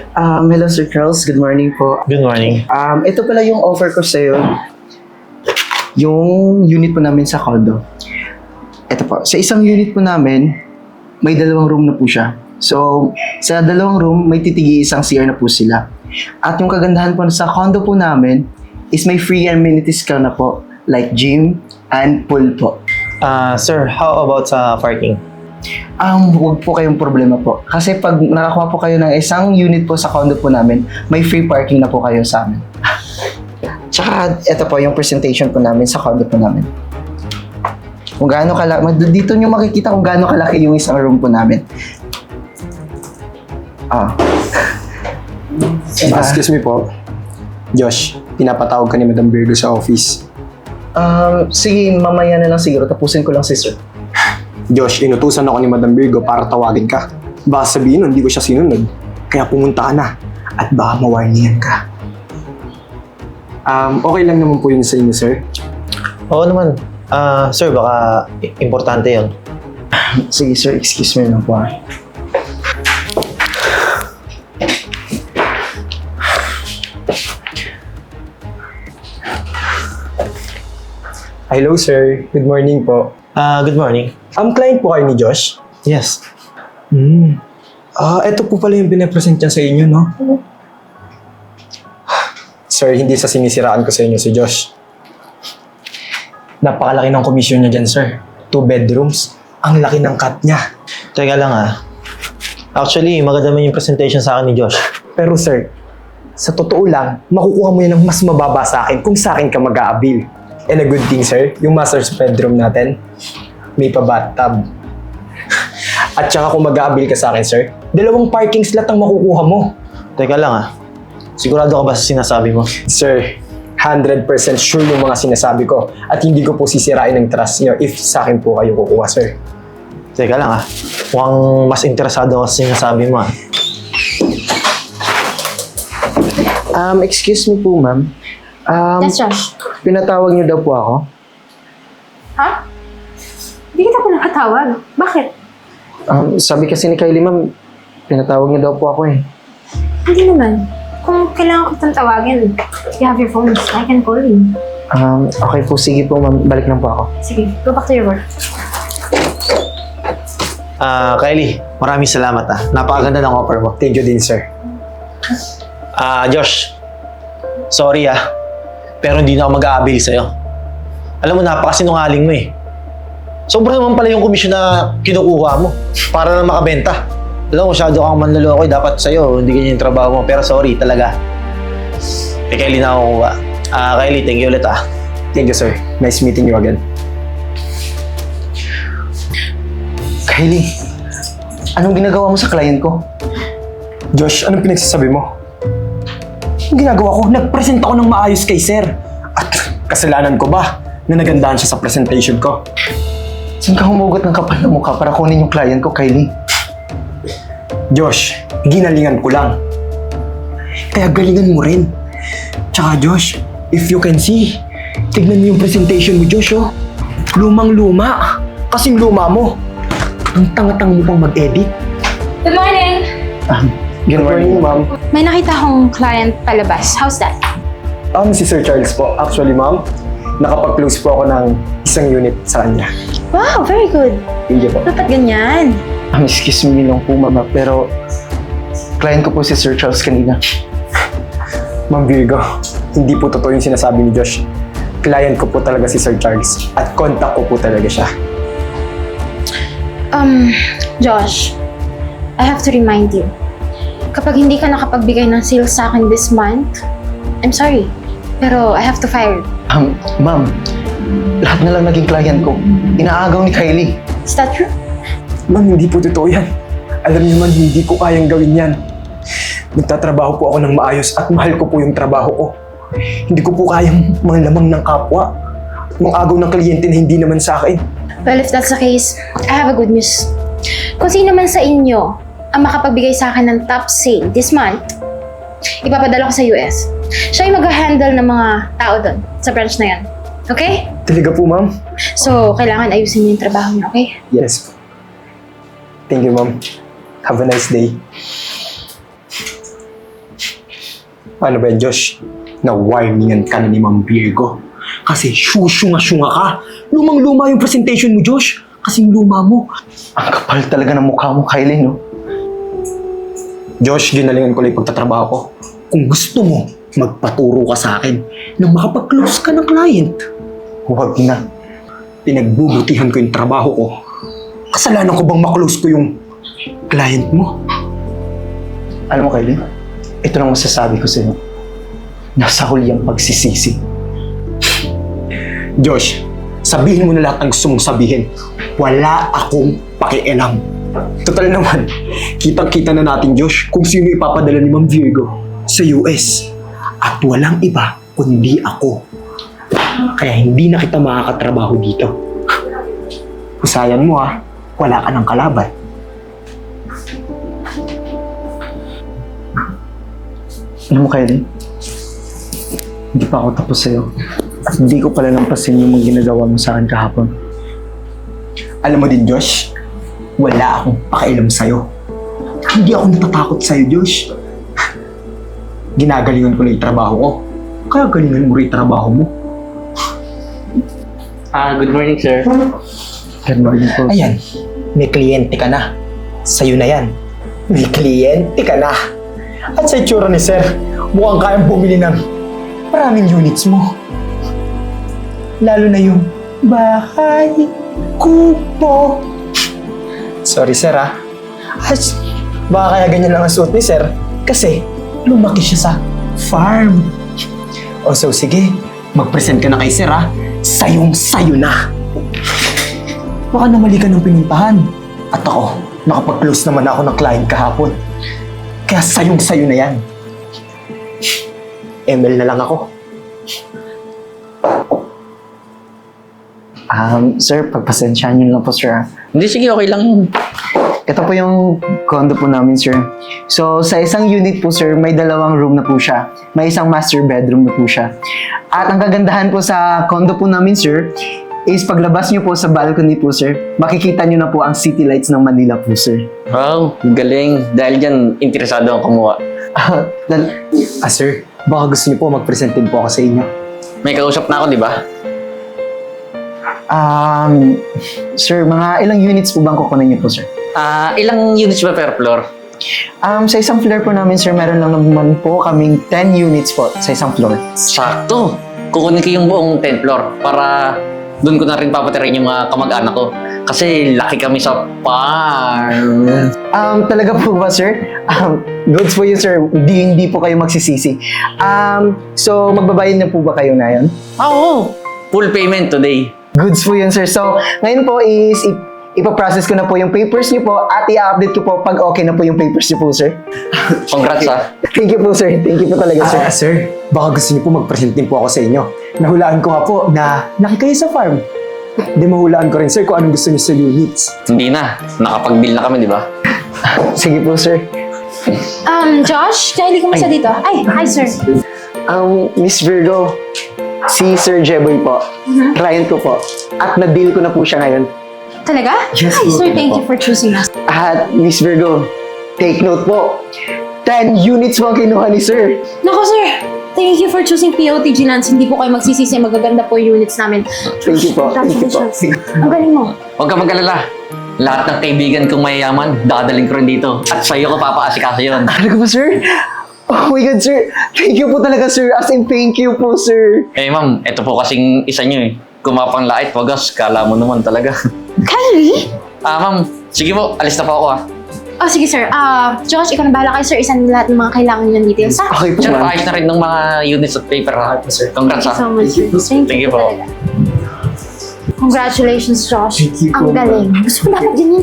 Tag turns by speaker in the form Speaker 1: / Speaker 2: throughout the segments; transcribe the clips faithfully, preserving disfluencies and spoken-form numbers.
Speaker 1: Um, hello Sir Charles, good morning po.
Speaker 2: Good morning.
Speaker 1: Um, ito pala yung offer ko sa'yo. Yung unit po namin sa condo. Ito po, sa isang unit po namin, may dalawang room na po siya. So, sa dalawang room, may titigi isang C R na po sila. At yung kagandahan po sa condo po namin is may free amenities ka na po, like gym and pool po.
Speaker 2: Ah, sir, how about sa parking?
Speaker 1: Um, huwag po kayong problema po. Kasi pag nakakuha po kayo ng isang unit po sa condo po namin, may free parking na po kayo sa amin. Tsaka, ito po yung presentation po namin sa condo po namin. Kung gaano kalaki, dito nyo makikita kung gaano kalaki yung isang room po namin. Ah. Diba?
Speaker 3: Excuse me po. Josh, pinapatawag ka ni Madam Virgo sa office.
Speaker 1: Um, sige, mamaya na lang siguro. Tapusin ko lang si Sir.
Speaker 3: Josh, inutusan ako ni Madam Virgo para tawagin ka. Baka sabihin nun, hindi ko siya sinunod. Kaya pumunta ka na. At baka mawarningan ka. Um, okay lang naman po yun sa inyo, sir.
Speaker 2: Oo naman. Ah, sir, baka i- importante yun.
Speaker 1: Sige Sir, excuse me lang po. ah.
Speaker 3: Hello, sir. Good morning po.
Speaker 2: Ah, good morning.
Speaker 3: Ang client po kayo ni Josh?
Speaker 2: Yes.
Speaker 3: Hmm. Ah, eto po pala yung pinapresent niya sa inyo, no? Sir, hindi sa sinisiraan ko sa inyo si Josh. Napakalaki ng komisyon niya dyan, sir. Two bedrooms. Ang laki ng cut niya.
Speaker 2: Teka lang ah. Actually, maganda man yung presentation sa akin ni Josh.
Speaker 3: Pero sir, sa totoo lang, makukuha mo yan ng mas mababa sa akin kung sa akin ka mag-aabil. And a good thing, sir, yung master's bedroom natin, may pa bathtub. At saka kung mag-aabil ka sa akin, sir, dalawang parking slot ang makukuha mo.
Speaker 2: Teka lang ah. Sigurado ka ba sa sinasabi mo?
Speaker 3: Sir, one hundred percent sure yung mga sinasabi ko at hindi ko po sisirain ang trust niyo if sa akin po kayo kukuha, sir.
Speaker 2: Teka lang ah. Mukhang mas interesado ako sa sinasabi mo ah.
Speaker 1: Um, excuse me po ma'am. Um,
Speaker 4: Yes, Josh.
Speaker 1: pinatawag niyo daw po ako.
Speaker 4: Ha? Hindi kita pa nakatawag. Bakit?
Speaker 1: Um, sabi kasi ni Kylie ma'am, pinatawag niyo daw po ako eh.
Speaker 4: Hindi naman. Kung kailangan ko itong tawagin, you have your phone. I can call you.
Speaker 1: Um, okay po, sige po ma'am, balik lang po ako.
Speaker 4: Sige, go back to your work.
Speaker 2: Ah, Kylie, maraming salamat ah. Napakaganda ng offer mo.
Speaker 3: Thank you din, sir.
Speaker 2: Ah, Josh. Sorry ah. Pero hindi na ako mag-aabil sa'yo. Alam mo, napakasinungaling mo eh. Sobra naman pala yung komisyon na kinukuha mo para lang makabenta. Alam mo, masyado kang manloloko eh. Dapat sa'yo, hindi ganyan yung trabaho mo. Pero sorry talaga. Kay Kylie na ako kuha. Ah, Kylie, thank you ulit ah.
Speaker 3: Thank you, sir. Nice meeting you again.
Speaker 1: Kylie, anong ginagawa mo sa client ko?
Speaker 3: Josh, anong pinagsasabi mo? Ang ginagawa ko, nag-present ako ng maayos kay sir. At kasalanan ko ba na nagandahan siya sa presentation ko?
Speaker 1: Saan ka humugot ng kapal na mukha para kunin yung client ko, Kylie?
Speaker 3: Josh, ginalingan ko lang. Kaya galingan mo rin. Tsaka Josh, if you can see, tignan mo yung presentation mo, Josh, oh. Lumang-luma. Kasing luma mo. Ang tanga-tanga mo pang mag-edit.
Speaker 4: Good morning!
Speaker 1: Um,
Speaker 3: Good morning, ma'am.
Speaker 4: May nakita akong client palabas. How's that?
Speaker 3: Um, si Sir Charles po. Actually, ma'am, nakapag-close po ako ng isang unit sa kanya.
Speaker 4: Wow, very good.
Speaker 3: Thank you po.
Speaker 4: Dapat ganyan.
Speaker 1: um, excuse me lang po, mama, pero client ko po si Sir Charles kanina.
Speaker 3: Ma'am Virgo, hindi po totoo yung sinasabi ni Josh. Client ko po talaga si Sir Charles at contact ko po talaga siya.
Speaker 4: Um, Josh, I have to remind you. Kapag hindi ka nakapagbigay ng sales sa akin this month, I'm sorry, pero I have to fire you.
Speaker 1: Um, ma'am, lahat na lang naging client ko. Inaagaw ni Kylie.
Speaker 4: Is that true?
Speaker 3: Ma'am, hindi po totoo yan. Alam niyo man, hindi ko kayang gawin yan. Nagtatrabaho po ako ng maayos at mahal ko po yung trabaho ko. Hindi ko po kayang manglamang ng kapwa. Mangagaw ng kliyente na hindi naman sa akin.
Speaker 4: Well, if that's the case, I have a good news. Kung sino man sa inyo ang makapagbigay sa akin ng top sale this month, ipapadala ko sa U S. Siya yung mag-handle ng mga tao doon sa branch na yan. Okay?
Speaker 3: Talaga po, ma'am?
Speaker 4: So, kailangan ayusin niyo yung trabaho niyo, okay?
Speaker 3: Yes. Thank you, ma'am. Have a nice day. Paano ba yan, Josh? Na-warningan ka na ni Ma'am Virgo. Kasi syusyunga-syunga ka. Lumang-luma yung presentation mo, Josh. Kasing luma mo.
Speaker 1: Ang kapal talaga ng mukha mo, Kylie, no?
Speaker 3: Josh, ginalingan ko lang yung pagtatrabaho ko. Kung gusto mo, magpaturo ka sa akin nang makapag-close ka ng client.
Speaker 1: Huwag na.
Speaker 3: Pinagbubutihan ko yung trabaho ko. Kasalanan ko bang maklose ko yung client mo?
Speaker 1: Alam mo, Kylie, ito lang masasabi ko sa'yo. Nasa huli ang pagsisisi.
Speaker 3: Josh, sabihin mo na lahat ng gusto mong sabihin. Wala akong pakialam. Total naman, kitang-kita na natin, Josh, kung sino ipapadala ni Ma'am Virgo sa U S. At walang iba kundi ako. Kaya hindi na kita makakatrabaho dito. Husayan mo ah, wala ka ng kalaban.
Speaker 1: Alam mo, Kylie, hindi pa ako tapos sa'yo. At hindi ko pala lampasin yung mga ginagawa mo sa akin kahapon.
Speaker 3: Alam mo din, Josh, wala akong pakialam sa'yo. Hindi ako natatakot sa'yo, Josh. Ginagalingan ko na yung trabaho ko. Kaya galingan mo rin yung trabaho mo.
Speaker 5: Ah, good morning, sir.
Speaker 1: Good morning po.
Speaker 3: Ayan, may kliyente ka na. Sa'yo na yan. May kliyente ka na. At sa itsura ni Sir, mukhang kayang bumili ng maraming units mo. Lalo na yung bahay, kubo. Sorry, Sir, ah. As, baka kaya ganyan lang ang suot ni Sir kasi lumaki siya sa farm. O so, sige, mag-present ka na kay Sir, ah. Sayong-sayo na. Baka namali ka ng pinuntahan. At ako, nakapag-close naman ako ng client kahapon. Kaya sayong-sayo na yan. M L na lang ako.
Speaker 1: Um, sir, pagpasensyahan niyo lang po, sir. ah.
Speaker 5: Hindi, sige, okay lang yun.
Speaker 1: Ito po yung condo po namin, sir. So, sa isang unit po, sir, may dalawang room na po siya. May isang master bedroom na po siya. At ang kagandahan po sa condo po namin, sir, is paglabas niyo po sa balcony po, sir, makikita niyo na po ang city lights ng Manila po, sir.
Speaker 5: Wow, galing. Dahil dyan, interesado ang kumuha.
Speaker 1: Ah, dal-
Speaker 3: Ah, Sir, baka gusto niyo po mag-present din po ako sa inyo.
Speaker 5: May kausap na ako, di ba?
Speaker 1: um, sir, mga ilang units po bang kukunin niyo po, sir?
Speaker 5: Ah, ilang units ba per floor?
Speaker 1: Um, sa isang floor po namin, sir, meron lang naman po kaming ten units po sa isang floor.
Speaker 5: Sakto. Kukunin ko yung buong tenth floor para doon ko na rin papatirain yung mga kamag-anak ko. Kasi laki kami sa farm.
Speaker 1: Um, talaga po ba, sir? Um, goods po yun, sir. Hindi, hindi po kayo magsisisi. Um, so, magbabayad na po ba kayo na yun?
Speaker 5: Ah, oo. Full payment today.
Speaker 1: Goods po yun, sir. So, ngayon po is, ip- ipaprocess ko na po yung papers niyo po at i-update ko po pag okay na po yung papers niyo po, sir.
Speaker 5: Congrats, ah.
Speaker 1: Thank you po, sir. Thank you po talaga, sir.
Speaker 3: Ah, Sir, baka gusto niyo po mag-present din po ako sa inyo. Nahulaan ko nga po na laki kayo sa farm. Di mahulaan ko rin, Sir, kung anong gusto niyo sa units.
Speaker 5: Hindi na. Nakapag-bill na kami, di ba?
Speaker 1: Sige po, sir.
Speaker 4: Um, Josh, Kylie, kumusta dito? Ay, hi, sir.
Speaker 1: Um, Miss Virgo, si Sir Jeboy po. Client ko po. At na-deal ko na po siya ngayon.
Speaker 4: Talaga?
Speaker 1: Yes,
Speaker 4: Hi,
Speaker 1: po.
Speaker 4: sir, thank you for choosing us.
Speaker 1: At Miss Virgo, take note po. ten units po ang kinuha ni Sir.
Speaker 4: Nako, sir. Thank you for choosing P O T G Lands. Hindi po kayo magsisisi. Magaganda po yung units namin.
Speaker 1: Thank you po. Thank you po.
Speaker 4: Congratulations. Ang galing mo.
Speaker 5: Huwag ka mag-alala. Lahat ng kaibigan kong mayayaman, dadaling ko rin dito. At sa'yo ko papaasikaso yun.
Speaker 1: Talaga po, sir? Oh my God, sir. Thank you po talaga, sir. As in, thank you po, sir.
Speaker 5: Eh, ma'am, ito po kasing isa nyo eh. Kumapang lait, wagas, kala mo naman talaga.
Speaker 4: Kylie?
Speaker 5: Ah, ma'am, sige po, alis na po ako ah.
Speaker 4: Oh, sige, sir. Ah, Josh, ikaw na bahala kayo, sir. Isan lahat ng mga kailangan nyo ng details, ha?
Speaker 1: Okay po,
Speaker 5: Sir,
Speaker 1: ma'am.
Speaker 5: paayos na rin ng mga units at paper ha. Congrats
Speaker 4: Thank you
Speaker 5: ha.
Speaker 4: so much. Thank,
Speaker 5: Thank you
Speaker 4: po.
Speaker 5: po.
Speaker 4: talaga. Congratulations, Josh.
Speaker 1: Thank you po,
Speaker 4: Ang galing. Gusto ko dapat ganyan.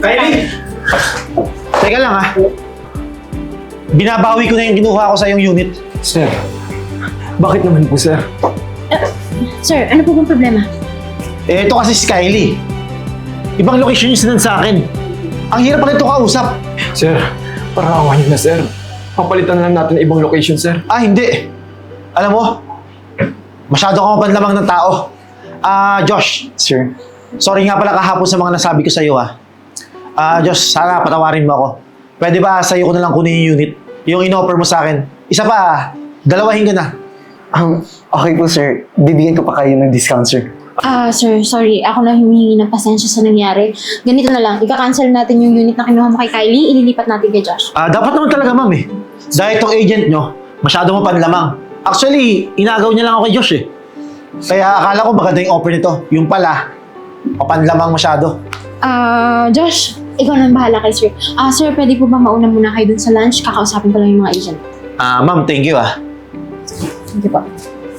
Speaker 2: Teka lang ha. Binabawi ko na yung kinuha ko sa yung unit.
Speaker 3: Sir, bakit naman po, Sir?
Speaker 4: Sir, ano po bang problema?
Speaker 2: Eh, ito kasi si Kylie. Ibang location yung sinan sa akin. Ang hirap pa nito kausap.
Speaker 3: Sir, parang awa niyo na, Sir. Papalitan na lang natin ibang location, Sir.
Speaker 2: Ah, hindi. Alam mo, masyado ka mapanlamang ng tao. Ah, Josh,
Speaker 1: Sir.
Speaker 2: sorry nga pala kahapon sa mga nasabi ko sa'yo ha. Ah, Josh, sana patawarin mo ako. Pwede ba sa'yo ko na lang kunin yung unit? Yung in-offer mo sa akin. Isa pa, Dalawahin ka na.
Speaker 1: Um, okay po sir, bibigyan ko pa kayo ng discount sir.
Speaker 4: Ah, sir, sorry. Ako na humihingi ng pasensya sa nangyari. Ganito na lang, ika-cancel natin yung unit na kinuha mo kay Kylie, ililipat natin kay Josh.
Speaker 2: Ah, dapat naman talaga, ma'am eh. Dahil itong agent nyo, masyado mo panlamang. Actually, inagaw niya lang ako kay Josh eh. Kaya akala ko maganda yung offer nito. Yung pala, mapanlamang masyado.
Speaker 4: Ah, Josh, ikaw na ang bahala kay sir. Ah, sir, pwede po ba mauna muna kayo dun sa lunch? Kakausapin ko lang yung mga agent.
Speaker 2: Ah, ma'am, thank you ah.
Speaker 4: Sige po.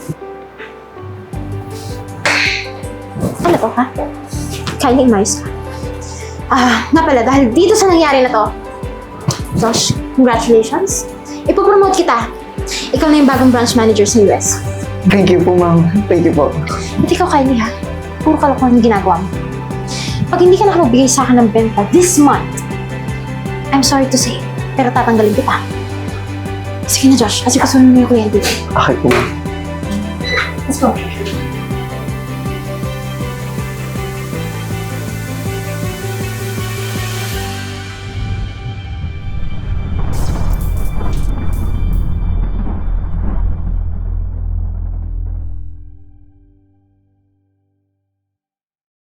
Speaker 4: Ano to, ha? Kylie, umayos ka. Ah, nga pala, dahil dito sa nangyari na to, Josh, congratulations. Ipopromote kita. Ikaw na yung bagong branch manager sa U S.
Speaker 1: Thank you po ma'am, thank you po.
Speaker 4: At ikaw, Kylie, ha? Puro kalokohan yung ginagawa mo. Pag hindi ka nakapagbigay sa akin ng benta this month, I'm sorry to say, pero tatanggalin kita. Sige na, Josh, kasi kasunod mo yung kliyente.
Speaker 1: Okay po ma'am.
Speaker 4: Let's go.